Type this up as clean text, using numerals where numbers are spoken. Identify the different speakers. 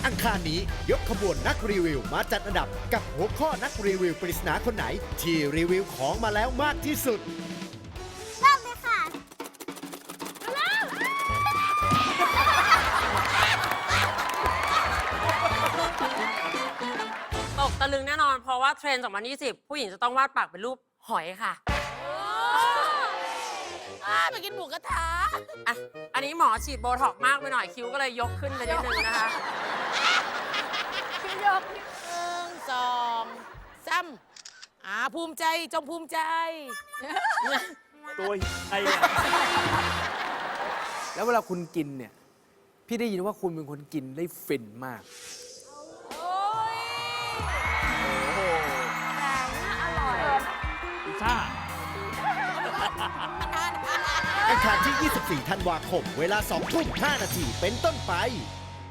Speaker 1: อังคารนี้ยกขบวนนักรีวิวมาจัดอันดับกับหัวข้อนักรีวิวปริศนาคนไหน ที่รีวิวของมาแล้วมากที่สุด
Speaker 2: เริ่มเลยค่ะ
Speaker 3: ตกตะลึงแน่นอนเพราะว่าเทรนด์2020 ผู้หญิงจะต้องวาดปากเป็นรูปหอยค่ะ
Speaker 4: ไปกินหมูกระทะ
Speaker 3: อ่ะ อันนี้หมอฉีดโบท็อกซ์มากไปหน่อยคิ้วก็เลยยกขึ้นไปนิดนึงนะคะ
Speaker 4: พี่ยก1 2 3ภูมิใจจงภูมิใจ
Speaker 5: ตัวไอ้อะ
Speaker 6: แล้วเวลาคุณกินเนี่ย พี่ได้ยินว่าคุณเป็นคนกินได้ฟินมาก
Speaker 5: พิซซ่า
Speaker 1: อังคารที่ 24 ธันวาคม เวลา 2 ทุ่ม 5 นาทีเป็นต้นไป